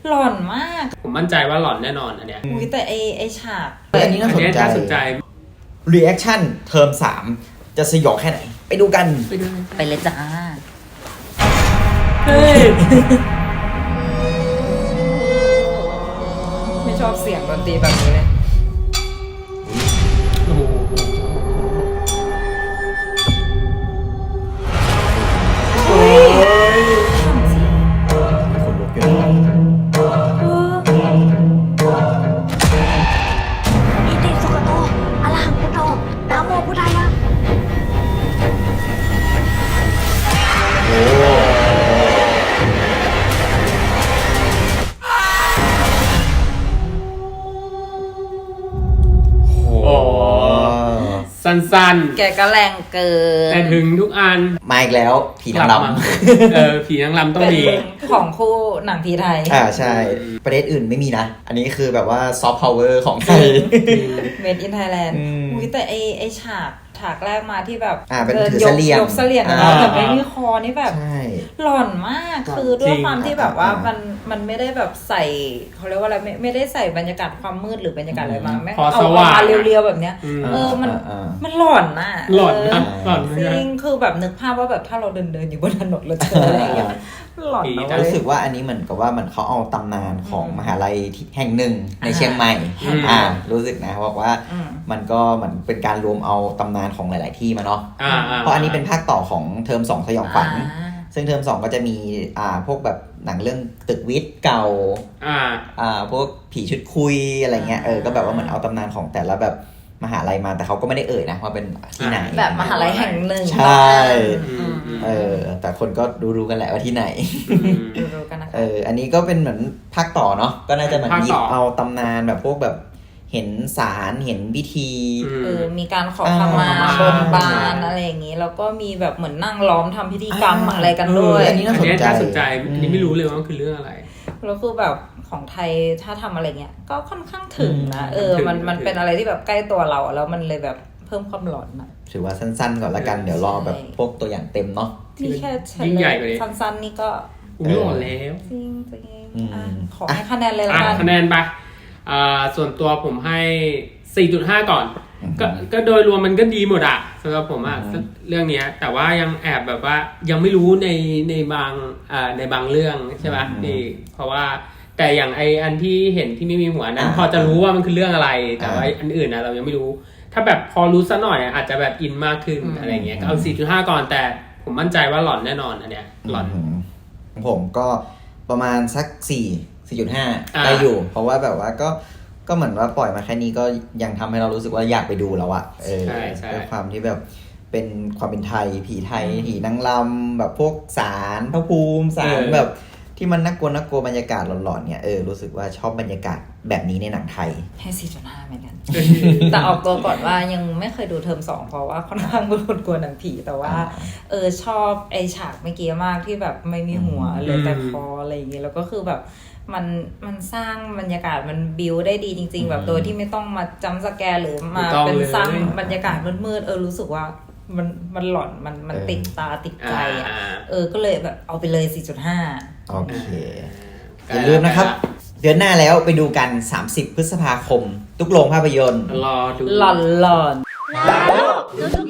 หล่อนมากผมมั่นใจว่าหล่อนแน่นอนอันเนี้ยอุ้ยแต่ไอฉากอันนี้น่าสนใจ reaction เทอม3จะสยองแค่ไหนไปดูกันไปเลยจ้าเฮ้ยไม่ชอบเสียงดนตรีแบบนี้เลยโอ้โหคนลุกอยู่อิติสุขโตอะระหังพุทโธนะโมพุทธายะสั้นแกก็แรงเกินแต่ถึงทุกอันมาอีกแล้วผีนางรำผีนางรำต้องมีของคู่หนังผีไทยใช่ประเทศอื่นไม่มีนะอันนี้คือแบบว่าซอฟต์พาวเวอร์ของไทย Made in Thailand อุ้ยแต่ไอฉากแรกมาที่แบบเป็นถือเสลี่ยงยกเสลี่ยงนะแต่ไม่มีคอนี่แบบหล่อนมากคือด้วยความที่แบบว่ามันไม่ได้แบบใส่เขาเรียกว่าอะไรไม่ได้ใส่บรรยากาศความมืดหรือบรรยากาศอะไรมาแม่เอามาเรียวๆแบบเนี้ยมันหล่อนน่ะหล่อนนะหล่อนจริงคือแบบนึกภาพว่าแบบถ้าเราเดินอยู่บนถนนเราเจออะไรอย่างเงี้ยหล่อนรู้สึกว่าอันนี้เหมือนกับว่ามันเขาเอาตำนานของมหาลัยแห่งหนึ่งในเชียงใหม่รู้สึกนะบอกว่ามันก็เหมือนเป็นการรวมเอาตำนานของหลายๆที่มาเนาะเพราะอันนี้เป็นภาคต่อของเทอม2สยองขวัญซึ่งเทอม2ก็จะมีพวกแบบหนังเรื่องตึกวิทย์เก่าพวกผีชุดคุยอะไรเงี้ยก็แบบว่าเหมือนเอาตำนานของแต่ละแบบมหาลัยมาแต่เขาก็ไม่ได้เอ่ยนะว่าเป็นที่ไหนแบบมหาลัยแห่งหนึ่งใช่แต่คนก็รู้กันแหละว่าที่ไหนรู้กันนะคะอันนี้ก็เป็นเหมือนภาคต่อเนาะก็น่าจะเหมือนหยิบเอาตำนานแบบพวกแบบเห็นศาลเห็นพิธีมีการขอขมาบนบานอะไรอย่างงี้แล้วก็มีแบบเหมือนนั่งล้อมทำพิธีกรรมอะไรกันด้วยอันนี้น่าสนใจนี่ไม่รู้เลยว่าคือเรื่องอะไรแล้วคือแบบของไทยถ้าทำอะไรเงี้ยก็ค่อนข้างถึงนะมันเป็นอะไรที่แบบใกล้ตัวเราแล้วมันเลยแบบเพิ่มความหลอนนะถือว่าสั้นๆก่อนละกันเดี๋ยวรอแบบพวกตัวอย่างเต็มเนาะที่แค่ยิ่งใหญ่กว่านี้สั้นๆนี่ก็หล่อแล้วจริงขอให้คะแนนเลยละกันคะแนนไปส่วนตัวผมให้ 4.5 ก่อนก็โดยรวมมันก็ดีหมดอะสำหรับผมอะเรื่องนี้แต่ว่ายังแอบแบบว่ายังไม่รู้ในบางเรื่องใช่ไหมนี่เพราะว่าแต่อย่างอันที่เห็นที่ไม่มีหัวนั้นพอจะรู้ว่ามันคือเรื่องอะไรแต่ว่าอันอื่นนะเรายังไม่รู้ถ้าแบบพอรู้ซะหน่อยอาจจะแบบอินมากขึ้นอะไรเงี้ยก็เอา 4.5 ก่อนแต่ผมมั่นใจว่าหล่อนแน่นอนอันเนี้ยหล่อนผมก็ประมาณสัก4.5 ได้อยู่เพราะว่าแบบว่าก็เหมือนว่าปล่อยมาแค่นี้ก็ยังทำให้เรารู้สึกว่าอยากไปดูแล้วอะด้วยความที่แบบเป็นความเป็นไทยผีไทยผีนางรำแบบพวกศาลพระภูมิศาลแบบที่มันน่ากลัวบรรยากาศหลอนๆเนี่ยรู้สึกว่าชอบบรรยากาศแบบนี้ในหนังไทยให้ 4.5 เหมือนกัน แต่ออกตัวก่อนว่ายังไม่เคยดูเทอม2เพราะว่าค่อนข้างเป็นคนกลัวหนังผีแต่ว่าชอบไอฉากเมื่อกี้มากที่แบบไม่มีหัวเลยแต่คออะไรอย่างเงี้ยแล้วก็คือแบบมันสร้างบรรยากาศมันบิวได้ดีจริงๆแบบโดยที่ไม่ต้องมาจัมป์สแกร์หรือมาเป็นสร้างบรรยากาศมืดๆรู้สึกว่ามันหลอนมันติดตาติดใจก็เลยแบบเอาไปเลย 4.5 โอเคอย่าลืมนะครับเดือนหน้าแล้วไปดูกัน30 พฤษภาคมทุกโรงภาพยนตร์รอดูหลอนแล้วทุก